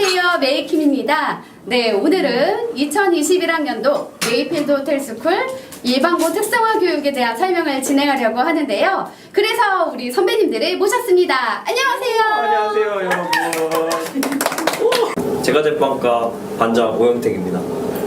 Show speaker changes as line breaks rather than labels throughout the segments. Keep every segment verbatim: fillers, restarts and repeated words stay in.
안녕하세요, 메이킴입니다. 네, 오늘은 이천이십일 학년도 메이필드 호텔스쿨 일반고 특성화 교육에 대한 설명을 진행하려고 하는데요. 그래서 우리 선배님들을 모셨습니다. 안녕하세요.
안녕하세요, 여러분. 제과제빵과 반장 오영택입니다.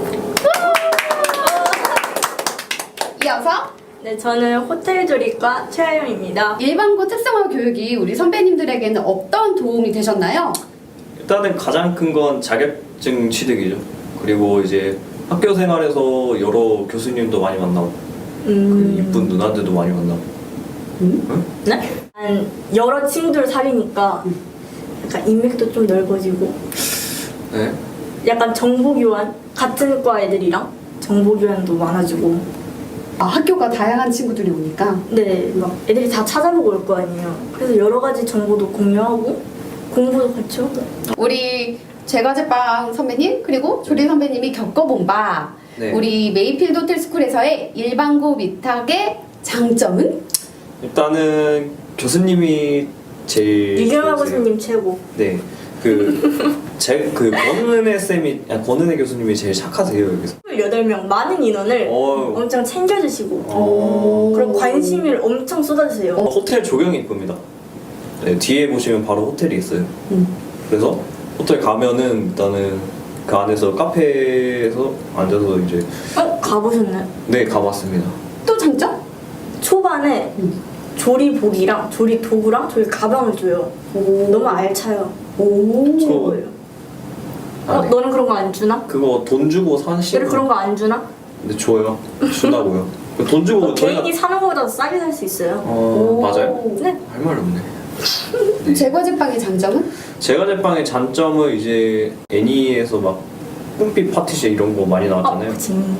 이어서
네, 저는 호텔조리과 최하영입니다.
일반고 특성화 교육이 우리 선배님들에게는 어떤 도움이 되셨나요?
일단은 가장 큰 건 자격증 취득이죠. 그리고 이제 학교 생활에서 여러 교수님도 많이 만나고,
음...
그 이쁜 누나들도 많이 만나고.
음?
응?
네? 한 여러 친구들 사귀니까 약간 인맥도 좀 넓어지고
네.
약간 정보교환, 같은 과 애들이랑 정보교환도 많아지고
아, 학교가 다양한 친구들이 오니까.
네, 막 애들이 다 찾아보고 올 거 아니에요. 그래서 여러 가지 정보도 공유하고 공부도 같이 하고.
우리 제과제빵 선배님 그리고 조리 선배님이 겪어본 바
네.
우리 메이필드 호텔스쿨에서의 일반고 위탁의 장점은?
일단은 교수님이 제일
유경아
좋으세요.
교수님 최고.
네. 그, 제, 그, 권은혜 쌤이, 아니, 권은혜 교수님이 제일 착하세요, 여기서.
여덟 명 많은 인원을
어,
엄청 챙겨주시고
어.
그리고 관심을 엄청 쏟아주세요.
어, 호텔 조경이 이쁩니다. 네, 뒤에 보시면 바로 호텔이 있어요.
음.
그래서 호텔 가면은 일단은 그 안에서 카페에서 앉아서 이제
어? 가보셨나요?
네 가봤습니다.
또 장점?
초반에
음.
조리복이랑 조리 도구랑 조리 가방을 줘요.
오.
너무 알차요.
오.
최고예요.
아,
어?
네.
너는 그런 거 안 주나?
그거 돈 주고 사시는
너는 그런 거 안 주나?
근데 줘요. 준다고요. 돈 주고
어,
저희가
개인이 사는 거보다 더 싸게 살 수 있어요.
어
오.
맞아요.
네.
할 말 없네. 네.
제과제빵의 장점은?
제과제빵의 장점은 이제 애니에서 막 뿜빛 파티시 이런 거 많이 나왔잖아요.
어, 재밌네.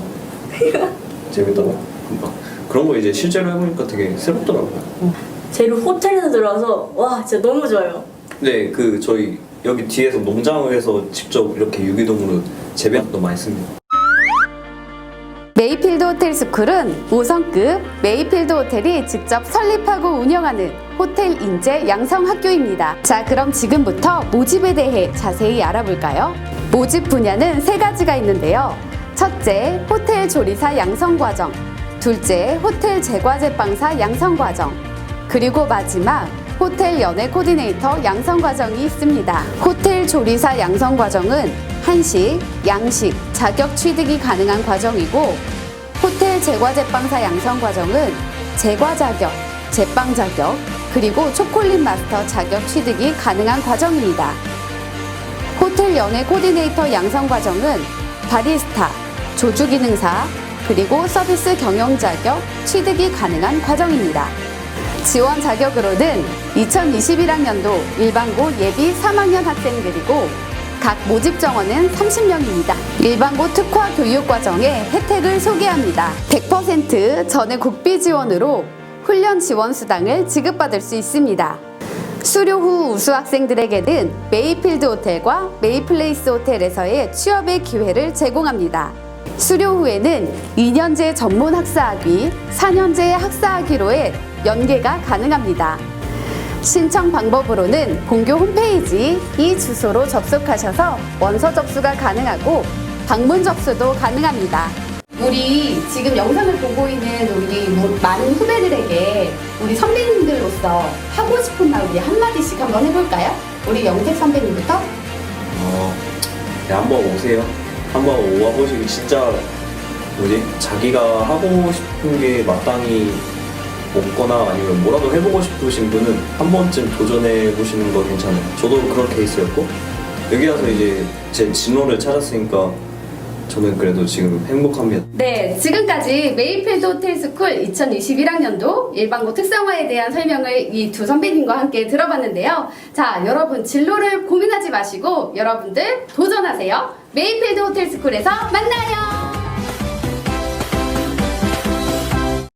재밌다고? 막 그런 거 이제 실제로 해보니까 되게 새롭더라고요.
재료 호텔에서 들어와서 와 진짜 너무 좋아요.
네, 그 저희 여기 뒤에서 농장을 해서 직접 이렇게 유기동으로 재배도 많이 씁니다.
메이필드 호텔스쿨은 오 성급 메이필드 호텔이 직접 설립하고 운영하는 호텔 인재 양성 학교입니다. 자, 그럼 지금부터 모집에 대해 자세히 알아볼까요? 모집 분야는 세 가지가 있는데요. 첫째, 호텔 조리사 양성 과정. 둘째, 호텔 제과제빵사 양성 과정. 그리고 마지막, 호텔 연애 코디네이터 양성 과정이 있습니다. 호텔 조리사 양성 과정은 한식, 양식, 자격 취득이 가능한 과정이고, 호텔 제과제빵사 양성 과정은 제과 자격, 제빵 자격, 그리고 초콜릿 마스터 자격 취득이 가능한 과정입니다. 호텔 연애 코디네이터 양성 과정은 바리스타, 조주기능사, 그리고 서비스 경영 자격 취득이 가능한 과정입니다. 지원 자격으로는 이천이십일 학년도 일반고 예비 삼 학년 학생들이고 각 모집 정원은 삼십 명입니다. 일반고 특화 교육과정의 혜택을 소개합니다. 백 퍼센트 전액 국비 지원으로 훈련 지원 수당을 지급받을 수 있습니다. 수료 후 우수 학생들에게는 메이필드 호텔과 메이플레이스 호텔에서의 취업의 기회를 제공합니다. 수료 후에는 이 년제 전문 학사학위, 사 년제 학사학위로의 연계가 가능합니다. 신청 방법으로는 본교 홈페이지 이 주소로 접속하셔서 원서 접수가 가능하고 방문 접수도 가능합니다. 우리 지금 영상을 보고 있는 우리 많은 후배들에게 우리 선배님들로서 하고 싶은 말 우리 한마디씩 한번 해볼까요? 우리 영택 선배님부터?
어, 네, 한번 오세요. 한번 오와보시고 진짜 뭐지? 자기가 하고 싶은 게 마땅히 없거나 아니면 뭐라도 해보고 싶으신 분은 한 번쯤 도전해 보시는 거 괜찮아요. 저도 그런 케이스였고 여기 와서 이제 제 진로를 찾았으니까 저는 그래도 지금 행복합니다.
네, 지금까지 메이필드 호텔스쿨 이천이십일 학년도 일반고 특성화에 대한 설명을 이 두 선배님과 함께 들어봤는데요. 자, 여러분 진로를 고민하지 마시고 여러분들 도전하세요. 메이필드 호텔스쿨에서 만나요.